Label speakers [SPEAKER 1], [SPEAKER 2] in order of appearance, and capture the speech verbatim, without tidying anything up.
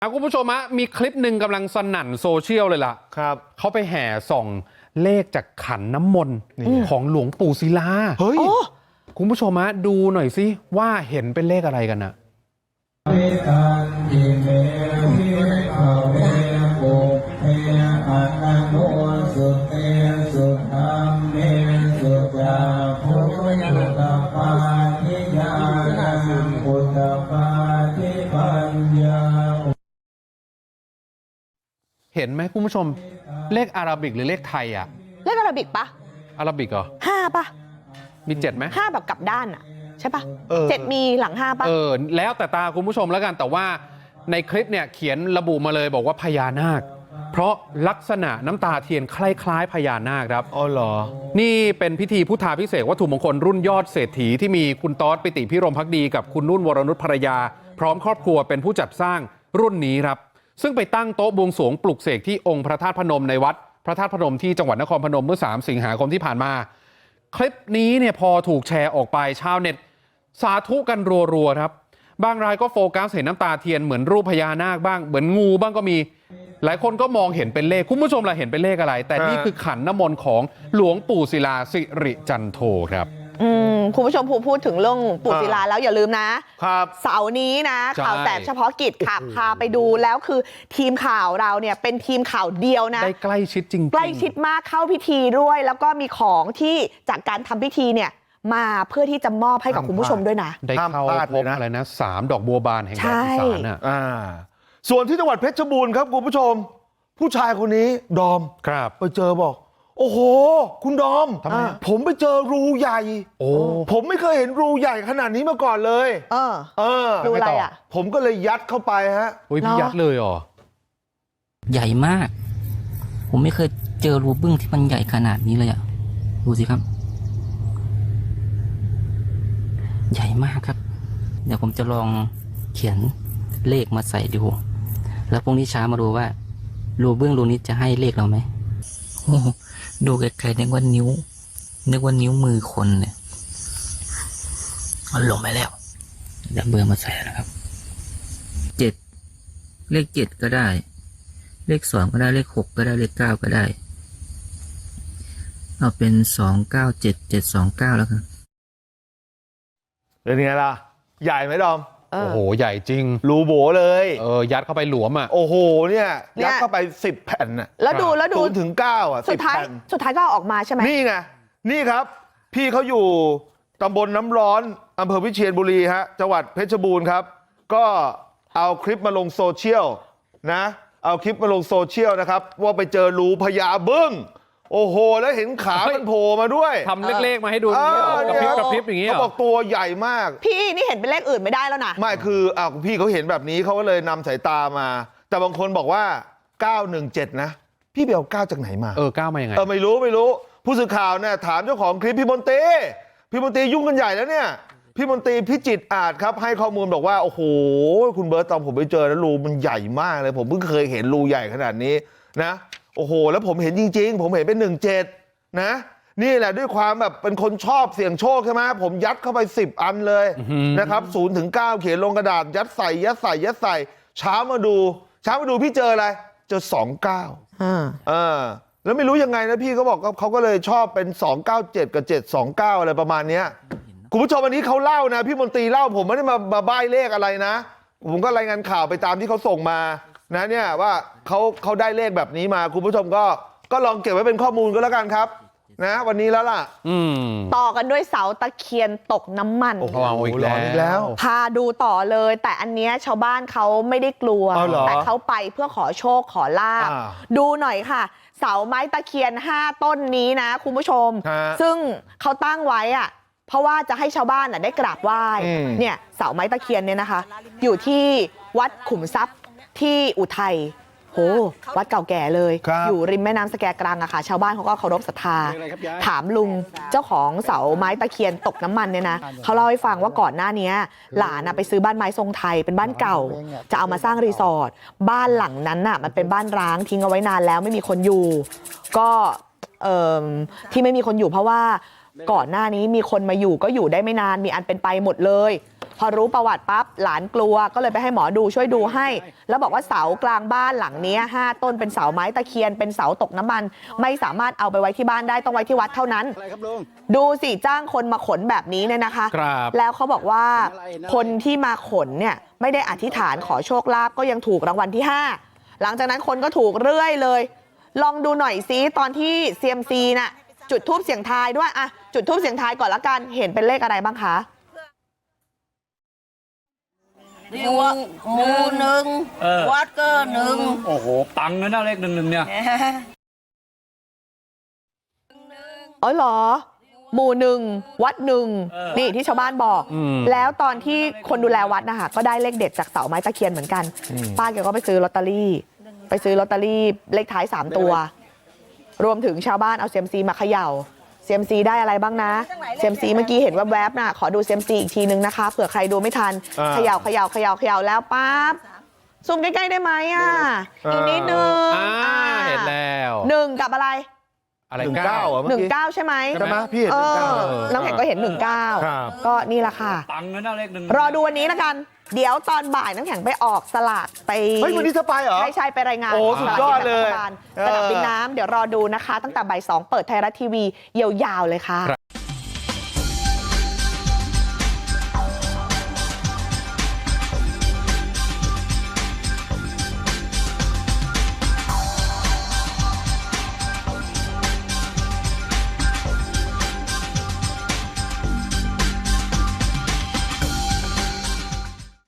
[SPEAKER 1] คุณผู้ชมฮะมีคลิปหนึ่งกำลังสนั่นโซเชียลเลยล่ะครับเขาไปแห่ส่องเลขจากขันน้ำมนต์ของหลวงปู่ศิลาเฮ้ยคุณผู้ชมฮะดูหน่อยสิว่าเห็นเป็นเลขอะไรกันนะเห็นไหมคุณผู้ชมเลขอาราบิกหรือเลขไทยอะ
[SPEAKER 2] เลขอาราบิกปะ
[SPEAKER 1] อาราบิกเหรอ
[SPEAKER 2] ห้าปะ
[SPEAKER 1] มีเจ็ดไหม
[SPEAKER 2] ห้าแบบกลับด้านอะใช่ปะเจ็ดมีหลังห้าปะ
[SPEAKER 1] เออแล้วแต่ตาคุณผู้ชมแล้วกันแต่ว่าในคลิปเนี่ยเขียนระบุมาเลยบอกว่าพญานาคเพราะลักษณะน้ำตาเทียนคล้ายๆพญานาคครับ
[SPEAKER 3] อ๋อเหรอ
[SPEAKER 1] นี่เป็นพิธีพุทธาภิเษกวัตถุมงคลรุ่นยอดเศรษฐีที่มีคุณต๊อดปิติพิรมภักดีกับคุณนุ่นวรนุชภรรยาพร้อมครอบครัวเป็นผู้จัดสร้างรุ่นนี้ครับซึ่งไปตั้งโต๊ะบวงสรวงปลุกเสกที่องค์พระธาตุพนมในวัดพระธาตุพนมที่จังหวัดนครพนมเมื่อสามสิงหาคมที่ผ่านมาคลิปนี้เนี่ยพอถูกแชร์ออกไปชาวเน็ตสาธุกันรัวๆครับบางรายก็โฟกัสเห็นน้ำตาเทียนเหมือนรูปพญานาคบ้างเหมือนงูบ้างก็มีหลายคนก็มองเห็นเป็นเลขคุณผู้ชมล่ะเห็นเป็นเลขอะไรแต่นี่คือขันน้ำมนต์ของหลวงปู่ศิลาสิริจันโทครับ
[SPEAKER 2] อืมคุณผู้ชมพูพูดถึงเรื่องปู่ศิลาแล้วอย่าลืมนะครับเสาร์นี้นะข่าวแสบเฉพาะกิจค่ะพาไปดูแล้วคือทีมข่าวเราเนี่ยเป็นทีมข่าวเดียวนะ
[SPEAKER 1] ได้ใกล้ชิดจริง
[SPEAKER 2] ใกล้ชิดมากเข้าพิธีด้วยแล้วก็มีของที่จากการทำพิธีเนี่ยมาเพื่อที่จะมอบให้กับคุณผู้ชมด้วยนะ
[SPEAKER 1] ได้เข้าพบอะไรนะสามดอกบัวบานแห่งแดนอีสานอ่ะ
[SPEAKER 3] ส่วนที่จังหวัดเพชรบูรณ์ครับคุณผู้ชมผู้ชายคนนี้ดอม
[SPEAKER 1] ครับ
[SPEAKER 3] ไปเจอบอกโอ้โหคุณดอมผมไปเจอรูใหญ่โอ้ผมไม่เคยเห็นรูใหญ่ขนาดนี้มาก่อนเลย
[SPEAKER 2] เออ
[SPEAKER 3] เออ
[SPEAKER 2] รูอะไรอ่ะ
[SPEAKER 3] ผมก็เลยยัดเข้าไปฮะ
[SPEAKER 1] โอ้ยพี่ยัดเลยเหรอ
[SPEAKER 4] ใหญ่มากผมไม่เคยเจอรูบึ้งที่มันใหญ่ขนาดนี้เลยอ่ะดูสิครับใหญ่มากครับเดี๋ยวผมจะลองเขียนเลขมาใส่ดูแล้วพรุ่งนี้เช้ามาดูว่ารูบึ้งรูนี้จะให้เลขเราไหมดูไกลๆนึกว่านิ้วนึกว่านิ้วมือคนเนี่ยมันลงไปแล้วเดี๋ยวเบอร์มาใส่นะครับเจ็ดเลขเจ็ดก็ได้เลขสองก็ได้เลขหกก็ได้เลขเก้าก็ได้เอาเป็นสองเก้าเจ็ดเจ็ดสองเก้าแล้วกัน
[SPEAKER 3] เป็นไงล่ะใหญ่ไหมดอม
[SPEAKER 1] โอ้โหใหญ่จริง
[SPEAKER 3] รูโบเลย
[SPEAKER 1] เออยัดเข้าไปหลวมอ่ะ
[SPEAKER 3] โอ้โหเนี่ยยัดเข้าไปสิบแผ่นอ่ะ
[SPEAKER 2] แล้วดูแล้วดู
[SPEAKER 3] ศูนย์ถึงเก้าอ่ะ
[SPEAKER 2] สุดท้ายสุดท้ายก็ออกมาใช่ไหม
[SPEAKER 3] นี่ไงนี่ครับพี่เขาอยู่ตำบลน้ำร้อนอำเภอวิเชียรบุรีฮะจังหวัดเพชรบูรณ์ครับก็เอาคลิปมาลงโซเชียลนะเอาคลิปมาลงโซเชียลนะครับว่าไปเจอรูพญาบึ้งโอ้โหแล้วเห็นขามันโผล่มาด้วย
[SPEAKER 1] ทำเลขๆมาให้ดูกระพริบกระพริบอย่างนี้
[SPEAKER 3] เขาบอกตัวใหญ่มาก
[SPEAKER 2] พี่นี่เห็นเป็นเลขอื่นไม่ได้แล้วนะ
[SPEAKER 3] ไม่คืออ่ะพี่เขาเห็นแบบนี้เขาก็เลยนำสายตามาแต่บางคนบอกว่าเก้าหนึ่งเจ็ดนะพี่ไปเอาเก้าจากไหนมา
[SPEAKER 1] เออเก้ามายังไง
[SPEAKER 3] เออไม่รู้ไม่รู้ผู้สื่อข่าวเนี่ยถามเจ้าของคลิปพี่มนตรีพี่มนตรียุ่งกันใหญ่แล้วเนี่ยพี่มนตรีพิจิตรอาจครับให้ข้อมูลบอกว่าโอ้โหคุณเบิร์ตตอนผมไปเจอแล้วรูมันใหญ่มากเลยผมเพิ่งเคยเห็นรูใหญ่ขนาดนี้นะโอ้โหแล้วผมเห็นจริงๆผมเห็นเป็นหนึ่งเจ็ดนะนี่แหละด้วยความแบบเป็นคนชอบเสี่ยงโชคใช่ไหมผมยัดเข้าไปสิบอันเลยนะครับศูนย์ถึงเก้าเขียนลงกระดาษยัดใส่ยัดใส่ยัดใส่เช้ามาดูเช้ามาดูพี่เจออะไรเจอสองเก้าเออแล้วไม่รู้ยังไงนะพี่เขาบอกเขาก็เลยชอบเป็นสองเก้าเจ็ดกับเจ็ดสองเก้าอะไรประมาณเนี้ยคุณผู้ชมอันนี้เขาเล่านะพี่มนตรีเล่าผมไม่ได้มามาใบ้เลขอะไรนะผมก็รายงานข่าวไปตามที่เขาส่งมานะเนี่ยว่าเขาเขาได้เลขแบบนี้มาคุณผู้ชมก็ก็ลองเก็บไว้เป็นข้อมูลก็แล้วกันครับนะวันนี้แล้วล่ะ
[SPEAKER 2] ต่อกันด้วยเสาตะเคียนตกน้ำมัน
[SPEAKER 1] โอ้โหอีกแล้ว
[SPEAKER 2] พาดูต่อเลยแต่อันเนี้ยชาวบ้านเขาไม่ได้กลัวแต่เขาไปเพื่อขอโชคขอลาภดูหน่อยค่ะเสาไม้ตะเคียนห้าต้นนี้นะคุณผู้ชมซึ่งเขาตั้งไว้อะเพราะว่าจะให้ชาวบ้านได้กราบไหว้เนี่ยเสาไม้ตะเคียนเนี่ยนะคะอยู่ที่วัดขุมทรัพย์ที่อุทัยโหวัดเก่าแก่เลยอยู่ริมแม่น้ำสแกกรังอะค่ะชาวบ้านเขาก็เคารพศรัทธาถามลุงเจ้าของเสาไม้ตะเคียนตกน้ำมันเนี่ยนะเขาเล่าให้ฟังว่าก่อนหน้านี้หลานไปซื้อบ้านไม้ทรงไทยเป็นบ้านเก่าจะเอามาสร้างรีสอร์ทบ้านหลังนั้นน่ะมันเป็นบ้านร้างทิ้งเอาไว้นานแล้วไม่มีคนอยู่ก็เอ่อที่ไม่มีคนอยู่เพราะว่าก่อนหน้านี้มีคนมาอยู่ก็อยู่ได้ไม่นานมีอันเป็นไปหมดเลยพพอรู้ประวัติปั๊บหลานกลัวก็เลยไปให้หมอดูช่วยดูให้แล้วบอกว่าเสากลางบ้านหลังนี้ห้าต้นเป็นเสาไม้ตะเคียนเป็นเสาตกน้ำมันไม่สามารถเอาไปไว้ที่บ้านได้ต้องไว้ที่วัดเท่านั้นดูสิจ้างคนมาขนแบบนี้เนี่ยนะคะแล้วเขาบอกว่าคนที่มาขนเนี่ยไม่ได้อธิษฐานขอโชคลาภก็ยังถูกรางวัลที่ห้าหลังจากนั้นคนก็ถูกเรื่อยเลยลองดูหน่อยซิตอนที่ ซี เอ็ม ซี น่ะจุดธูปเสียงทายด้วยอะจุดธูปเสียงทายก่อนละกันเห็นเป็นเลขอะไรบ้างคะ
[SPEAKER 5] หมู่หมู่หนึ่งวัดก็หนึ่ง
[SPEAKER 6] โอ้โหปังเลยนะเลขหนึ่งหนึ่งเนี่ย
[SPEAKER 2] อ๋อเหรอหมู่หนึ่งวัดหนึ่งนี่ที่ชาวบ้านบอกแล้วตอนที่คนดูแลวัดนะคะก็ได้เลขเด็ดจากเสาไม้ตะเคียนเหมือนกันป้าแกก็ไปซื้อลอตเตอรี่ไปซื้อลอตเตอรี่เลขท้ายสามตัวรวมถึงชาวบ้านเอาเซียมซีมาเขย่าเซียมซีได้อะไรบ้างนะเซียมซีเมื่อกี้เห็นแวบๆน่ะขอดูเซียมซีอีกทีนึงนะคะเผื่อใครดูไม่ทันเขย่าเขย่าเขย่าเขย่าแล้วปั๊บซูมใกล้ๆได้ไหมอ่ะอีกนิดนึง
[SPEAKER 1] เห็นแล้ว
[SPEAKER 2] หนึ่งกับอะไร
[SPEAKER 1] อะไร
[SPEAKER 3] หนึ่งเก้าอ่ะ
[SPEAKER 2] หนึ่งเก้าใช่ไหม
[SPEAKER 3] ใช่ไหมพี่เห็นหนึ่งเก้า
[SPEAKER 2] น้ำแข็งก็เห็นหนึ่งเก้าก็นี่แหละค่ะ
[SPEAKER 6] ปังเลยนะเลขหนึ่ง
[SPEAKER 2] รอดูวันนี้ละกันเดี๋ยวตอนบ่ายน้ำแข็งไปออกสลากไป
[SPEAKER 3] เฮ้ยวันนี้จะไปเหรอ
[SPEAKER 2] ใช่ใช่ไปรายงาน
[SPEAKER 3] โอ้สุดยอดเลย
[SPEAKER 2] สนามบินน้ำเดี๋ยวรอดูนะคะตั้งแต่บ่ายสองเปิดไทยรัฐทีวียาวๆเลยค่ะ